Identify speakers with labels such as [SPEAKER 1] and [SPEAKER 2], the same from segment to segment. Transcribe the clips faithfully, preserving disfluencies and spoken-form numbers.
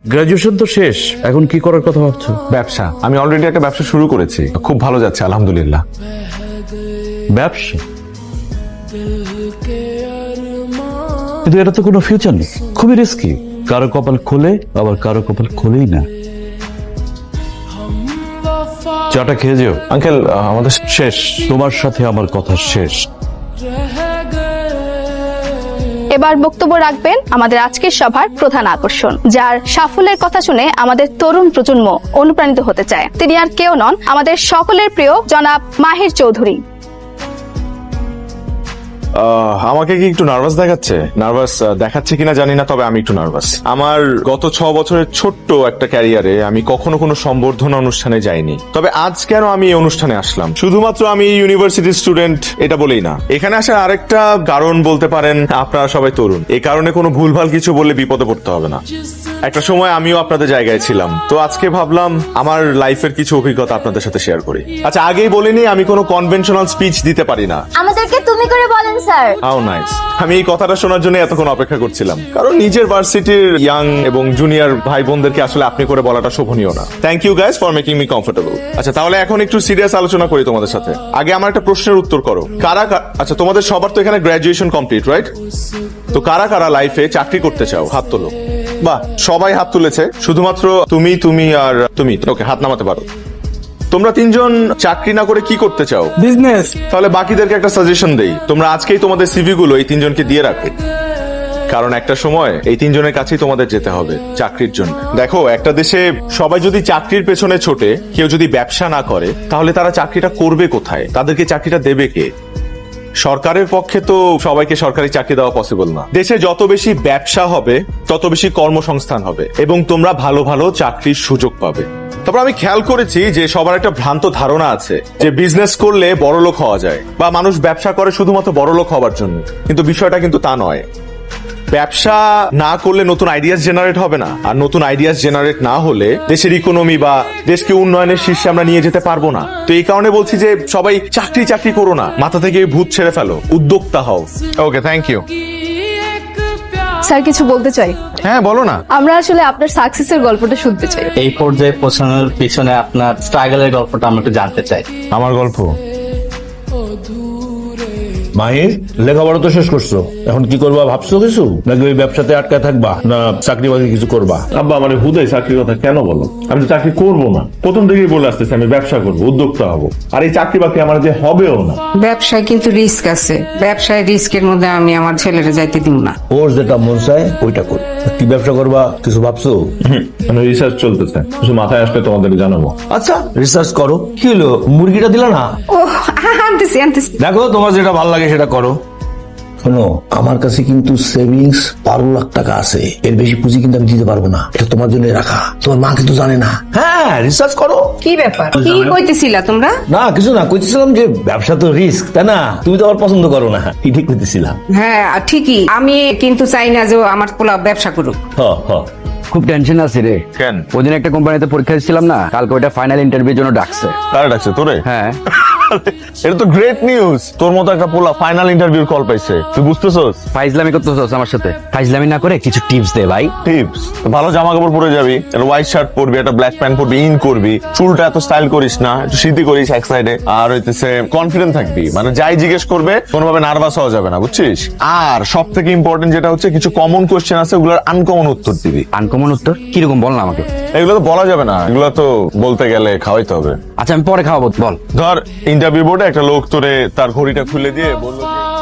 [SPEAKER 1] Graduation তো শেষ, এখন কি করার কথা ভাবছো?
[SPEAKER 2] ব্যবসা। আমি অলরেডি একটা ব্যবসা শুরু করেছি, খুব ভালো যাচ্ছে আলহামদুলিল্লাহ।
[SPEAKER 1] ব্যবসা? কিন্তু এটা তো কোনো ফিউচার নেই, খুবই রিস্কি। কারো কপাল খোলে, আবার কারো কপাল খোলেই না। চাটা খেয়ে যেও।
[SPEAKER 2] আঙ্কেল আমাদের
[SPEAKER 1] শেষ, তোমার সাথে আমার কথা শেষ।
[SPEAKER 3] এবার বক্তব্য রাখবেন আমাদের আজকের সভার প্রধান আকর্ষণ, যার সাফল্যের কথা শুনে আমাদের তরুণ প্রজন্ম অনুপ্রাণিত হতে চায়। তিনি আর কেউ নন, আমাদের সকলের প্রিয় জনাব মাহির চৌধুরী।
[SPEAKER 2] আমাকে কি একটু নার্ভাস দেখাচ্ছে? নার্ভাস দেখাচ্ছে কিনা জানি না, তবে আমি একটু নার্ভাস। আমার গত ছ বছরের ছোট্ট একটা ক্যারিয়ারে আমি কখনো কোনো সম্বর্ধনা অনুষ্ঠানে যাইনি, তবে আজ কেন আমি এই অনুষ্ঠানে আসলাম? শুধুমাত্র আমি ইউনিভার্সিটির স্টুডেন্ট এটা বলেই না, এখানে আসার আরেকটা কারণ বলতে পারেন আপনারা সবাই তরুণ। এই কারণে কোনো ভুলভাল কিছু বললে বিপদে পড়তে হবে না। একটা সময় আমিও আপনাদের জায়গায় ছিলাম, তো আজকে ভাবলাম আমার লাইফের কিছু অভিজ্ঞতা আপনাদের সাথে শেয়ার করি। আচ্ছা, আগেই বলিনি আমি কোনো কনভেনশনাল স্পিচ দিতে পারি না।
[SPEAKER 4] আমাদেরকে তুমি করে বলেন স্যার।
[SPEAKER 2] How nice. আমি এই কথাটা শোনার জন্য এতক্ষণ অপেক্ষা করছিলাম, কারণ নিজের ভার্সিটির ইয়াং এবং জুনিয়র ভাই বোনদেরকে আসলে আপনি করে বলাটা শোভনীয় না। Thank you guys for making me comfortable. আচ্ছা, তাহলে এখন একটু সিরিয়াস আলোচনা করি তোমাদের সাথে। আগে আমার একটা প্রশ্নের উত্তর করো। কারা আচ্ছা, তোমাদের সবার তো এখানে গ্রাজুয়েশন কমপ্লিট, রাইট? তো কারা কারা লাইফে চাকরি করতে চাও? হাত তোলো। বাহ, সবাই হাত তুলেছে, শুধুমাত্র তুমি তুমি আর তুমি। ওকে, হাত নামাতে পারো। তোমরা তিনজন চাকরি না করে কি করতে চাও?
[SPEAKER 5] বিজনেস।
[SPEAKER 2] তাহলে বাকিদেরকে একটা সাজেশন দেই, তোমরা আজকেই তোমাদের সিভি গুলো এই তিনজনকে দিয়ে রাখো, কারণ একটা সময় এই তিনজনের কাছেই তোমাদের যেতে হবে চাকরির জন্য। দেখো, একটা দেশে সবাই যদি চাকরির পেছনে ছোটে, কেউ যদি ব্যবসা না করে, তাহলে তারা চাকরিটা করবে কোথায়? তাদেরকে চাকরিটা দেবে কে? সরকারের পক্ষে তো সবাইকে সরকারি চাকরি দেওয়া পসিবল না। দেশে যত বেশি ব্যবসা হবে তত বেশি কর্মসংস্থান হবে এবং তোমরা ভালো ভালো চাকরির সুযোগ পাবে। তারপর আমি খেয়াল করেছি যে সবার একটা ভ্রান্ত ধারণা আছে যে বিজনেস করলে বড়লোক হওয়া যায়, বা মানুষ ব্যবসা করে শুধুমাত্র বড়লোক হওয়ার জন্য, কিন্তু বিষয়টা কিন্তু তা নয়। ব্যবসা না করলে নতুন আইডিয়াস জেনারেট হবে না, আর নতুন আইডিয়াস জেনারেট না হলে দেশের ইকোনমি বা দেশকে উন্নয়নের শীর্ষে আমরা নিয়ে যেতে পারবো না। তো এই কারণে বলছি যে সবাই চাকরি চাকরি করো না, মাথা থেকে ভূত ছেড়ে ফেলো, উদ্যোক্তা হও। ওকে, থ্যাংক ইউ।
[SPEAKER 3] স্যার কিছু বলতে চাই।
[SPEAKER 2] হ্যাঁ, বলো না।
[SPEAKER 3] আমরা আসলে আপনার সাকসেসের গল্পটা শুনতে চাই।
[SPEAKER 5] এই পর্যায়ে পৌঁছানোর পিছনে আপনার স্ট্রাগলের গল্পটা আমরা একটু জানতে চাই।
[SPEAKER 2] আমার গল্প?
[SPEAKER 1] মাহির, লেখাপড়া তো শেষ করছো, এখন কি করবা ভাবছো কিছু? নাকি ওই ব্যবসাতে আটকা থাকবা, না চাকরি বাকরি কিছু করবা?
[SPEAKER 6] আব্বা মানে হুদাই চাকরির কথা কেন বলো? আমি তো চাকরি করবো না, প্রথম থেকেই বলে আসতেছি আমি ব্যবসা করবো, উদ্যোক্তা হবো। আর এই চাকরি বাকরি আমার যে হবেও না।
[SPEAKER 7] ব্যবসায় কিন্তু রিস্ক আছে, ব্যবসায় রিস্কের মধ্যে আমি আমার ছেলেরা যাইতে দিব না।
[SPEAKER 1] ওর যেটা মন চায় ওইটা কর। কি ব্যবসা করবা কিছু ভাবছো?
[SPEAKER 6] মানে রিসার্চ চলতেছে, কিছু মাথায় আসলে তোমাদের জানাবো।
[SPEAKER 1] আচ্ছা, রিসার্চ করো। কি হলো, মুরগিটা দিলা না?
[SPEAKER 7] ও আনতেছি আনতেছি।
[SPEAKER 1] দেখো, তোমার যেটা ভালো লাগে সেটা করো। শোনো, আমার কাছে কিন্তু সেভিংস বারো লাখ টাকা আছে, এর বেশি পুঁজি কিন্তু আমি দিতে পারবো না। এটা তোমার জন্য রাখা, তোমার মা কিন্তু জানে না। হ্যাঁ, রিসার্চ করো।
[SPEAKER 7] কি ব্যাপার, কি কইতেছিলা তোমরা?
[SPEAKER 1] না কিছু না, কইতেছিলাম যে ব্যবসা তো রিস্ক, তাই না? তুমি তো আবার পছন্দ করো না, কি ঠিক কইতেছিলাম।
[SPEAKER 7] হ্যাঁ ঠিকই, আমি কিন্তু চাই না যে ও আমার পোলা ব্যবসা করুক।
[SPEAKER 1] হ হ।
[SPEAKER 8] খুব টেনশন আছে রে।
[SPEAKER 2] কেন?
[SPEAKER 8] ওদিন একটা কোম্পানিতে পরীক্ষা দিচ্ছিলাম না, কালকে ওটা ফাইনাল ইন্টারভিউর জন্য ডাকছে।
[SPEAKER 2] কারা ডাকছে তোরে?
[SPEAKER 8] হ্যাঁ।
[SPEAKER 2] এটা তো গ্রেট নিউজ, তোর মতো একটা পোলা ফাইনাল ইন্টারভিউর কল পাইছে, তুই বুঝতেছস?
[SPEAKER 8] ফাইজলামি করতেছস আমার সাথে? ফাইজলামি না করে কিছু টিপস দে ভাই।
[SPEAKER 2] টিপস? ভালো জামা কাপড় পরে যাবি, একটা হোয়াইট শার্ট পরবি, একটা ব্ল্যাক প্যান্ট পরবি, ইন করবি, চুলটা এত স্টাইল করিস না, একটু সিদ্ধি করিস এক সাইডে, আর হইতেছে কনফিডেন্ট থাকবি, মানে যাই জিজ্ঞেস করবে কোনোভাবে নার্ভাস হওয়া যাবে না, বুঝছিস? আর সব থেকে ইম্পর্টেন্ট যেটা হচ্ছে, কিছু কমন কোশ্চেন আছে, ওগুলোর আনকমন উত্তর দিবি।
[SPEAKER 8] আনকমন উত্তর কিরকম বল না আমাকে।
[SPEAKER 2] এগুলো তো বলা যাবে না, এগুলো তো বলতে গেলে খাওয়াইতে হবে।
[SPEAKER 8] আচ্ছা আমি পরে খাওয়াবো, বল।
[SPEAKER 2] ধর, ইন্টারভিউ বোর্ডে একটা লোক তোরে তার ঘড়িটা খুলে দিয়ে বললো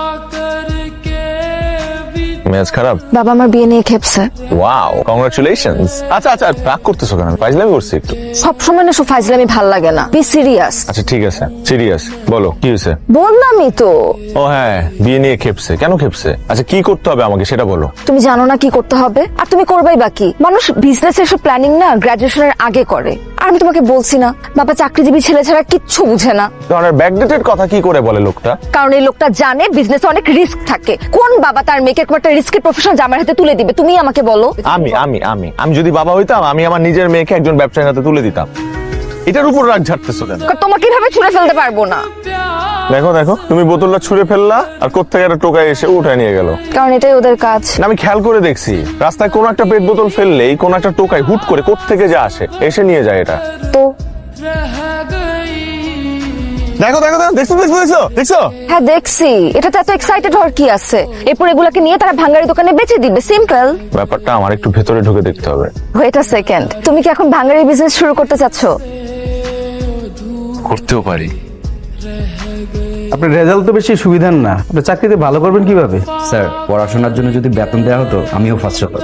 [SPEAKER 2] ম্যাচ খারাপ।
[SPEAKER 4] বাবা আমার বিয়ে নিয়ে খেপছে।
[SPEAKER 2] Wow, congratulations. আচ্ছা আচ্ছা, রাগ করতেছো কেন? ফাইজলামি করছি একটু।
[SPEAKER 4] সবসময় না সব ফাইজলামি ভাল লাগে না, বি সিরিয়াস।
[SPEAKER 2] আচ্ছা ঠিক আছে, সিরিয়াস বলো কি হয়েছে।
[SPEAKER 4] বললামই তো।
[SPEAKER 2] ও হ্যাঁ, বিয়ে নিয়ে খেপছে। কেন খেপছে? আচ্ছা কি করতে হবে আমাকে সেটা বলো।
[SPEAKER 4] তুমি জানো না কি করতে হবে, আর তুমি করবাই বাকি। মানুষ বিজনেস এর সব প্ল্যানিং না গ্রাজুয়েশনের আগে করে। আর আমি তোমাকে বলছি না, বাবা চাকরিজীবী ছেলে ছাড়া কিচ্ছু বুঝে না।
[SPEAKER 2] ধরনের ব্যাকডেটেড কথা কি করে বলে লোকটা?
[SPEAKER 4] কারণ এই লোকটা জানে বিজনেসে অনেক রিস্ক থাকে। কোন বাবা তার মেয়েকে একটা রিস্কের প্রফেশন জামার হাতে তুলে দিবে? তুমি আমাকে বলো।
[SPEAKER 2] আমি আমি আমি আমি যদি বাবা হইতাম, আমি আমার নিজের মেয়েকে একজন ব্যবসায়ীর হাতে তুলে দিতাম। এটার উপর রাগ ঝাড়তেছো কেন?
[SPEAKER 4] তোমাকে কিভাবে ছুঁড়ে ফেলতে পারবো না,
[SPEAKER 2] দেখো দেখো তুমি বোতলটা ছুঁড়ে ফেললা আর কোত্থেকে একটা টোকাই এসে উঠায় নিয়ে গেল।
[SPEAKER 4] কারণ এটাই ওদের কাজ।
[SPEAKER 2] না, আমি খেয়াল করে দেখছি রাস্তায় কোন একটা পেট বোতল ফেললেই কোন একটা টোকাই হুট করে কোত্থেকে যা আসে এসে নিয়ে যায় এটা।
[SPEAKER 4] তো
[SPEAKER 2] দেখো দেখো দেখো দেখছো দেখছো দেখছো দেখছো
[SPEAKER 4] হ্যাঁ দেখছি, এটাতে এত এক্সাইটেড হওয়ার কি আছে? এরপর এগুলাকে নিয়ে তারা ভাঙ্গারি দোকানে বেচে দিবে, সিম্পল।
[SPEAKER 2] ব্যাপারটা আমার একটু ভেতরে ঢুকে দেখতে হবে।
[SPEAKER 4] ওয়েট আ সেকেন্ড, তুমি কি এখন ভাঙ্গারি বিজনেস শুরু করতে চাচ্ছ?
[SPEAKER 2] করতেও পারি।
[SPEAKER 9] আপনার রেজাল্ট তো বেশি সুবিধার না, আপনি চাকরিতে ভালো করবেন কিভাবে?
[SPEAKER 8] স্যার পড়াশোনার জন্য যদি বেতন দেওয়া হতো আমিও ফার্স্ট হতাম।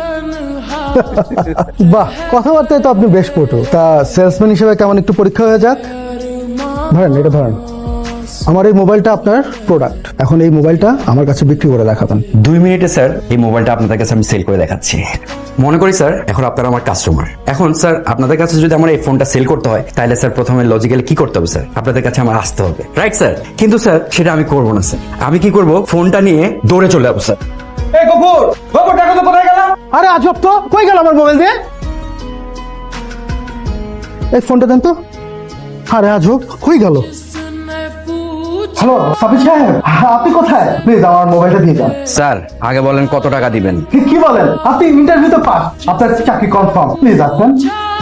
[SPEAKER 10] বাহ, কথাবার্তায় তো আপনি বেশ পটু। তা সেলসম্যান হিসেবে কেমন একটু পরীক্ষা হয়ে যাক। ধরেন, এটা ধরেন, আমার এই মোবাইলটা আপনার প্রোডাক্ট। এখন এই মোবাইলটা আমার কাছে বিক্রি করে দেখাবেন।
[SPEAKER 8] দুই মিনিটে স্যার এই মোবাইলটা আপনাদের কাছে আমি সেল করে দেখাচ্ছি। মনে করি স্যার এখন আপনারা আমার কাস্টমার। এখন স্যার আপনাদের কাছে যদি আমার এই ফোনটা সেল করতে হয় তাহলে স্যার প্রথমে লজিক্যালি কি করতে হবে স্যার? আপনাদের কাছে আমার আসতে হবে, রাইট স্যার? কিন্তু স্যার সেটা আমি করব না স্যার। আমি কি করব, ফোনটা নিয়ে দৌড়ে চলে যাবো স্যার।
[SPEAKER 10] এই গফুর, গফুর টাকা তো কোথায় গেল? আরে আজব তো, কই গেল আমার মোবাইল দিয়ে? এই ফোনটা দেন তো। আরে আজব, কই গেল? হ্যালো সাবির সাহেব, আপনি কোথায়? প্লিজ আমার মোবাইলটা দিয়ে যান।
[SPEAKER 8] স্যার আগে বলেন কত টাকা দিবেন?
[SPEAKER 10] কি- কি বলেন? আপনি ইন্টারভিউতে পাস, আপনার চাকরি কনফার্ম। প্লিজ আসবেন।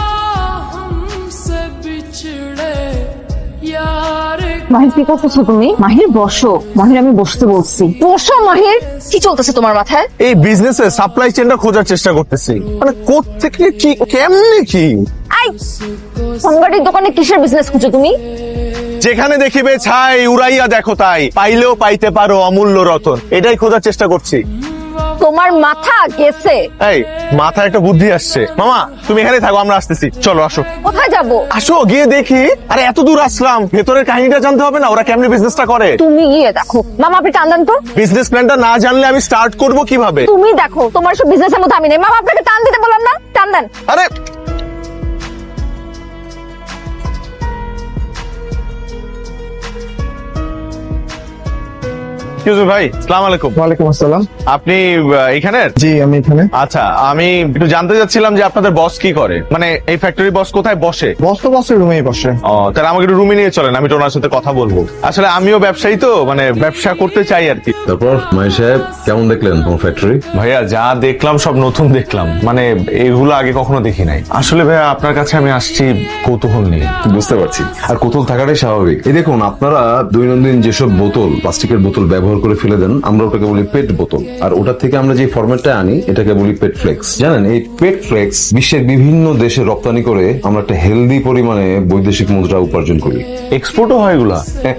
[SPEAKER 4] মাহির কি করতেছো তুমি? মাহির বসো। মাহির আমি বসতে বলছি, বসো মাহির। কি চলতেছে তোমার মাথায়?
[SPEAKER 2] এই বিজনেসে সাপ্লাই চেনটা খোঁজার চেষ্টা করতেছি, মানে কোত্থেকে কি কেমনে কি।
[SPEAKER 4] আই ভাঙ্গারির দোকানে কিসের বিজনেস খুঁজো তুমি?
[SPEAKER 2] যেখানে দেখিবে ছাই উড়াইয়া দেখো তাই, পাইলেও পাইতে পারো অমূল্য রতন, এটাই খোঁজার চেষ্টা করছি।
[SPEAKER 4] তোমার মাথা গেছে।
[SPEAKER 2] এই মাথায় একটা বুদ্ধি আসছে। মামা তুমি এখানে থাকো, আমরা আসতেছি, চলো আসো।
[SPEAKER 4] কোথায় যাব?
[SPEAKER 2] আসো গিয়ে দেখি। আরে এত দূর আসলাম, ভেতরের কাহিনীটা জানতে হবে না, ওরা কেমনে বিজনেসটা করে।
[SPEAKER 4] তুমি গিয়ে দেখো। মামা আপনি টান দেন তো।
[SPEAKER 2] বিজনেস প্ল্যানটা না জানলে আমি স্টার্ট করব কিভাবে?
[SPEAKER 4] তুমি দেখো, তোমার সব বিজনেসের মধ্যে আমি নেই। মামা আপনাকে টান দিতে বললাম না, টান দেন।
[SPEAKER 2] আরে এক্সকিউজ মি ভাই, আসসালামু আলাইকুম।
[SPEAKER 10] ওয়ালাইকুম আসসালাম।
[SPEAKER 2] আপনি আহ, এখানের?
[SPEAKER 10] জি আমি এখানে।
[SPEAKER 2] আচ্ছা, আমি একটু জানতে চাচ্ছিলাম যে আপনাদের বস কি করে, মানে এই ফ্যাক্টরি বস কোথায় বসে?
[SPEAKER 10] বস তো বসের রুমেই বসে।
[SPEAKER 2] ও তাহলে আমাকে একটু রুমে নিয়ে চলেন, আমি তো ওনার সাথে কথা বলবো। আসলে আমিও ব্যবসায়ী তো, মানে ব্যবসা করতে চাই আর কি।
[SPEAKER 6] তারপর মাই সাহেব কেমন দেখলেন তোমার ফ্যাক্টরি?
[SPEAKER 2] ভাইয়া যা দেখলাম সব নতুন দেখলাম, মানে এগুলো আগে কখনো দেখি নাই। আসলে ভাইয়া আপনার কাছে আমি আসছি কৌতূহল নিয়ে।
[SPEAKER 6] বুঝতে পারছি, আর কৌতূহল থাকাটাই স্বাভাবিক। এই দেখুন, আপনারা দৈনন্দিন যেসব বোতল, প্লাস্টিকের বোতল ব্যবহার করে ফেলে দেন, আমরা ওটাকে বলি পেট বোতল। আর ওটার থেকে আমরা যে ফরম্যাটটা আনি এটাকে বলি পেট ফ্লেক্স। জানেন, এই পেট ফ্লেক্স বিশ্বের বিভিন্ন দেশে রপ্তানি করে আমরা একটা হেলদি পরিমাণে বৈদেশিক মুদ্রা উপার্জন করি।
[SPEAKER 2] এক্সপোর্টও হয় এগুলা?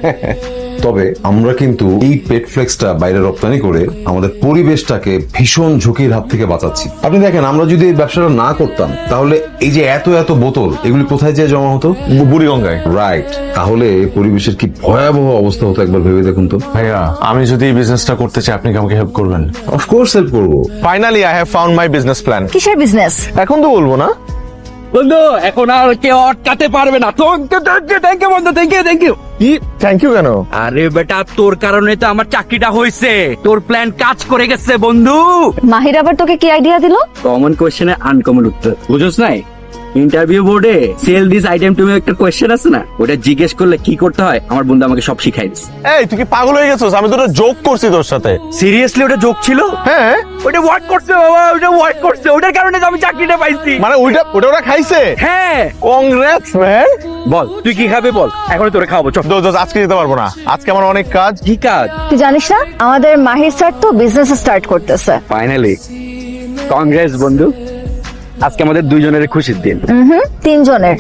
[SPEAKER 6] তবে আমরা কিন্তু এই পেট ফ্লেক্সটা বাইরে রপ্তানি করে আমাদের পরিবেশটাকে ভীষণ ঝুঁকির হাত থেকে বাঁচাচ্ছি। আপনি দেখেন, আমরা যদি এই ব্যবসাটা না করতাম তাহলে এই যে এত এত বোতল, এগুলি কোথায় যেয়ে জমা হতো?
[SPEAKER 2] বুড়িগঙ্গায়।
[SPEAKER 6] রাইট। তাহলে পরিবেশের কি ভয়াবহ অবস্থা হতো একবার ভেবে দেখুন তো।
[SPEAKER 2] ভাইয়া আমি যদি এই বিজনেসটা করতে চাই, আপনি কি আমাকে হেল্প করবেন?
[SPEAKER 6] অফকোর্স হেল্প করবো।
[SPEAKER 2] Finally I have found my business plan.
[SPEAKER 4] কিসের বিজনেস?
[SPEAKER 2] এখন তো বলবো না।
[SPEAKER 8] বন্ধু এখন আর কেউ আটকাতে পারবে না। থ্যাংক ইউ বন্ধু, থ্যাংক ইউ থ্যাংক ইউ।
[SPEAKER 2] কি থ্যাংক ইউ কেন?
[SPEAKER 8] আরে বেটা তোর কারণে তো আমার চাকরিটা হয়েছে, তোর প্ল্যান কাজ করে গেছে বন্ধু।
[SPEAKER 4] মাহির আবার তোকে কি আইডিয়া দিল?
[SPEAKER 8] কমন কোশ্চেনে আনকমন উত্তর, বুঝছ নাই? ইন্টারভিউ বোর্ডে সেল দিস আইটেম টু একটা কোশ্চেন আছে না, ওটা জিজ্ঞেস করলে কি করতে হয় আমার বন্ধু আমাকে সব শিখাই দিচ্ছে।
[SPEAKER 2] এই তুই কি পাগল হয়ে গেছিস? আমি তো ওটা জোক করছি তোর সাথে।
[SPEAKER 8] সিরিয়াসলি ওটা জোক ছিল?
[SPEAKER 2] হ্যাঁ
[SPEAKER 8] ওটা ওয়ার্ক করছে বাবা, ওটা ওয়ার্ক করছে, ওটার কারণে তো আমি চাকরিটা পাইছি।
[SPEAKER 2] মানে ওইটা ওটা ওরা খাইছে?
[SPEAKER 8] হ্যাঁ।
[SPEAKER 2] Congrats man.
[SPEAKER 8] বল তুই কি খাবে বল, এখন তোরে খাওয়াবো। চল।
[SPEAKER 2] দোস্ত দোস্ত, আজকে যেতে পারবো না, আজকে আমার অনেক কাজ।
[SPEAKER 8] কি কাজ?
[SPEAKER 4] তুই জানিস না আমাদের মাহির স্যার তো বিজনেস স্টার্ট করতেছে।
[SPEAKER 8] ফাইনালি কংগ্রেস বন্ধু, আজকে আমাদের দুইজনের খুশির দিন।
[SPEAKER 4] হুম, তিনজনের।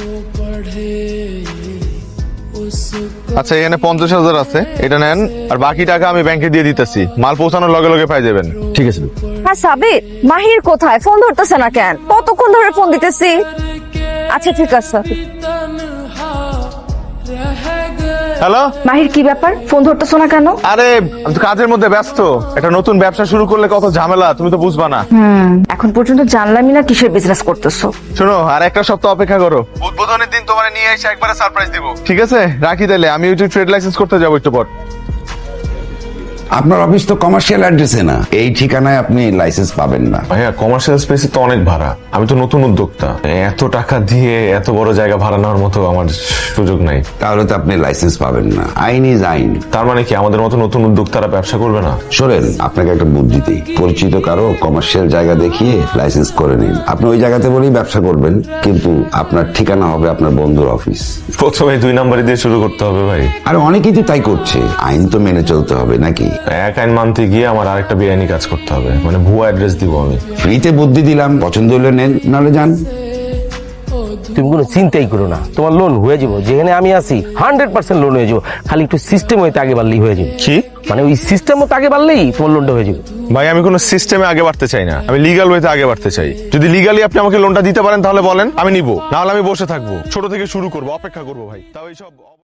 [SPEAKER 2] আচ্ছা এখানে পঞ্চাশ হাজার আছে, এটা নেন, আর বাকি টাকা আমি ব্যাংকে দিয়ে দিতেছি, মাল পৌঁছানোর লগে লগে পাই যাবেন।
[SPEAKER 8] ঠিক আছে।
[SPEAKER 4] হ্যাঁ সাবির, মাহির কোথায়? ফোন ধরতেছে না কেন? কতক্ষণ ধরে ফোন দিতেছি। আচ্ছা ঠিক আছে।
[SPEAKER 2] হ্যালো
[SPEAKER 4] মাহির কি ব্যাপার, ফোন ধরতেছো না কেন?
[SPEAKER 2] আরে আমি তো কাজের মধ্যে ব্যস্ত, একটা নতুন ব্যবসা শুরু করলে কত ঝামেলা, তুমি তো বুঝবা না।
[SPEAKER 4] হুম, এখন পর্যন্ত জানলামই না কিসের বিজনেস করতেছো।
[SPEAKER 2] শোনো, আর একটা সপ্তাহ অপেক্ষা করো, উদ্বোধনের দিন তোমার নিয়ে এসে একবারে সারপ্রাইজ দিব। ঠিক আছে রাখি তাহলে, আমি ওই ট্রেড লাইসেন্স করতে যাবো একটু পর।
[SPEAKER 11] আপনার অফিস তো কমার্শিয়াল অ্যাড্রেসে না, এই ঠিকানায় আপনি লাইসেন্স পাবেন না।
[SPEAKER 2] ভাইয়া কমার্শিয়াল স্পেসে তো অনেক ভাড়া, আমি তো নতুন উদ্যোক্তা, এত টাকা দিয়ে এত বড় জায়গা ভাড়া নেওয়ার মতো আমার সুযোগ নাই।
[SPEAKER 11] তাহলে তো আপনি লাইসেন্স পাবেন না, আইন ইজ আইন।
[SPEAKER 2] তার মানে কি আমাদের মতো নতুন উদ্যোক্তারা ব্যবসা করবে না?
[SPEAKER 11] শোনেন, আপনাকে একটা বুদ্ধি দিই, পরিচিত কারো কমার্শিয়াল জায়গা দেখিয়ে লাইসেন্স করে নিন। আপনি ওই জায়গাতে বলেই ব্যবসা করবেন, কিন্তু আপনার ঠিকানা হবে আপনার বন্ধুর অফিস।
[SPEAKER 2] প্রথমে দুই নাম্বারই দিয়ে শুরু করতে হবে ভাই?
[SPEAKER 11] আর অনেকেই তো তাই করছে, আইন তো মেনে চলতে হবে নাকি?
[SPEAKER 2] এক আইন মানতে গিয়ে আমার আরেকটা বেআইনি কাজ করতে হবে, মানে ভুয়া অ্যাড্রেস দিব আমি।
[SPEAKER 11] ফ্রিতে বুদ্ধি দিলাম, পছন্দ হলে নেন, নাহলে যান।
[SPEAKER 1] তুমি কোনো চিন্তাই করো না, তোমার লোন হয়ে যাবো। যেখানে আমি আছি হান্ড্রেড পার্সেন্ট লোন হয়ে যাবো, খালি একটু সিস্টেম হইতে আগে বাড়লেই হয়ে যাবে।
[SPEAKER 2] কি
[SPEAKER 1] মানে ওই সিস্টেম মতো আগে বাড়লেই তোমার লোনটা হয়ে যাবে।
[SPEAKER 2] ভাই আমি কোনো সিস্টেমে আগে বাড়তে চাই না, আমি লিগাল ওয়েতে আগে বাড়তে চাই। যদি লিগালি আপনি আমাকে লোনটা দিতে পারেন তাহলে বলেন, আমি নিবো, নাহলে আমি বসে থাকবো, ছোট থেকে শুরু করবো, অপেক্ষা করবো ভাই। তাও এইসব